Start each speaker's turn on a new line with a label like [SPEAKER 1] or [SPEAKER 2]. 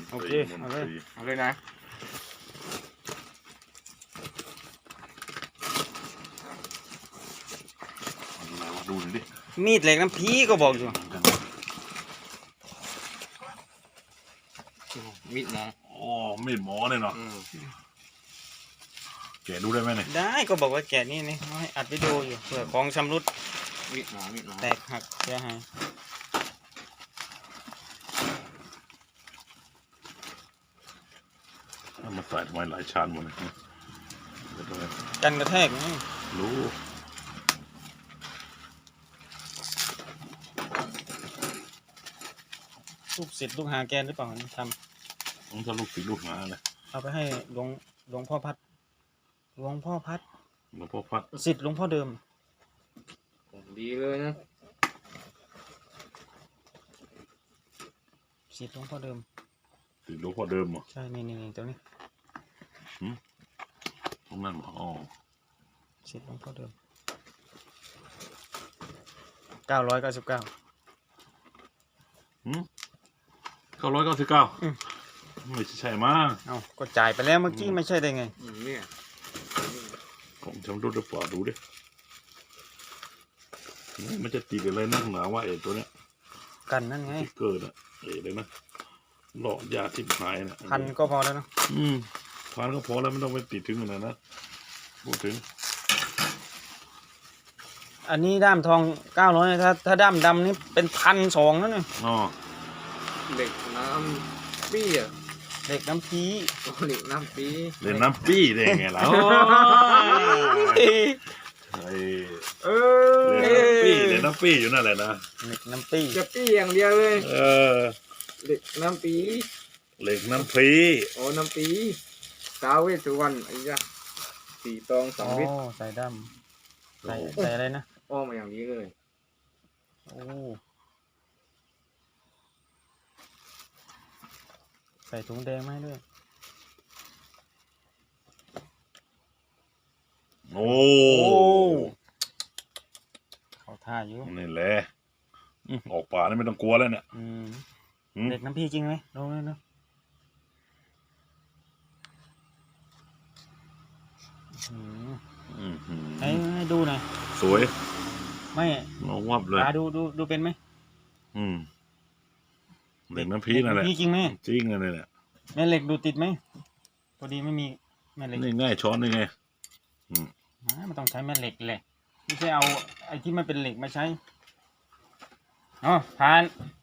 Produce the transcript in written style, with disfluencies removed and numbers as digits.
[SPEAKER 1] โอเคเอาเลยนะ
[SPEAKER 2] ดูหน่อยดิ
[SPEAKER 3] มีดเหล็กน้ำพีก็บอกอยู่
[SPEAKER 1] มิดหมอ
[SPEAKER 2] อ๋อมีดหมอเนี่ยเนาะแกะดูได้ไหมเนี่ย
[SPEAKER 3] ได้ก็บอกว่าแกะนี่นี่ให้อัดวิดีโออยู่เผื่อของชำรุด
[SPEAKER 1] มิดหมอ
[SPEAKER 3] แตกหักเสียหาย
[SPEAKER 2] เอามาใส่ทำไมหลายชั้นหมดเลย
[SPEAKER 3] กันกระแทกนี่
[SPEAKER 2] รู้
[SPEAKER 3] ลูกศิษย์ลูกหาแกนหรือเปล่าท
[SPEAKER 2] ต้องทะลุฝีลูกหาเลย
[SPEAKER 3] ำเอาไปให้หลวงพ่อพัดหลวงพ่อพัด
[SPEAKER 2] หลวงพ่อพัด
[SPEAKER 3] ศิษย์หลวงพ่อเดิม
[SPEAKER 1] ดีเลยนะ
[SPEAKER 3] ศิษย์หลวงพ่อเดิม
[SPEAKER 2] ติดหลวงพ่อเดิมเหรอ
[SPEAKER 3] ใช่นี่ตัวนี้
[SPEAKER 2] ตรงนั้นเหรออ๋อ
[SPEAKER 3] ศิษย์หลวงพ่อเดิม999
[SPEAKER 2] 999ไม่ใช่มั้ง
[SPEAKER 3] เอ้าก็จ่ายไปแล้วเมื่อกี้ไม่ใช่ได้ไง
[SPEAKER 1] เนี่ย
[SPEAKER 2] ของชำรุดหรือเปล่าดูดิมันจะติดอะไรนักหนาว่าตัวเนี้ย
[SPEAKER 3] กันนั่นไง
[SPEAKER 2] ที่เกิดอะเลยนะหลอกยาทิพหายนะ
[SPEAKER 3] พันก็พอแล้วเนาะ
[SPEAKER 2] พันก็พอแล้วไม่ต้องไปติดถึงขนาดนั้นพูดถึง
[SPEAKER 3] อันนี้ด้ามทอง900ถ้าด้ามดำนี่เป็น1,200นั่นเลย
[SPEAKER 2] อ๋อ
[SPEAKER 1] เหล็กน้ำปี้อ่ะ
[SPEAKER 3] เหล็กน้ำพี
[SPEAKER 1] เหล็กน้ำปี้
[SPEAKER 2] เล่นน้ำปี้ได้ไงล่ะไอ้เล่นน้ำปี้อยู่นั่นแหละนะ
[SPEAKER 3] เหล็กน้ำปี
[SPEAKER 1] จะปี้อย่างเดียวเลย เหล็กน้ำปี้
[SPEAKER 2] เหล็กน้ำพี
[SPEAKER 1] โอ้น้ำปี้ท้าวเวสสุวรรณไอ้ยะ4 ตอง
[SPEAKER 3] อ๋อ
[SPEAKER 1] 2 ลิตร
[SPEAKER 3] ใส่ด้ามใส่อะไรนะ
[SPEAKER 1] อ้อมมาอย่างนี้เลย
[SPEAKER 3] โอ้ใส่ถุงแดงไหมาให้ด้วย
[SPEAKER 2] โอ้
[SPEAKER 3] เขาท่าอยู่
[SPEAKER 2] นี่แหละออกป่านี่ไม่ต้องกลัวแล้วเนี่ย
[SPEAKER 3] เด็กน้ำพี่จริงไหมลองเลยเนาะให้ดูหน่อย
[SPEAKER 2] สวย
[SPEAKER 3] ไม่
[SPEAKER 2] งงวับเลย
[SPEAKER 3] ดูเป็นไหม
[SPEAKER 2] เหล็กน้ำพีนั่นแหละ
[SPEAKER 3] พี่จริงไหม
[SPEAKER 2] จริงเลยเนี่ย
[SPEAKER 3] แม่เหล็กดูติดไหมพอดีไม่มีแม่เหล็ก
[SPEAKER 2] นี่ง่ายช้อนนี่ไง
[SPEAKER 3] มันต้องใช้แม่เหล็กแหละไม่ใช่เอาไอ้ที่มันเป็นเหล็กมาใช้อ๋อผ่าน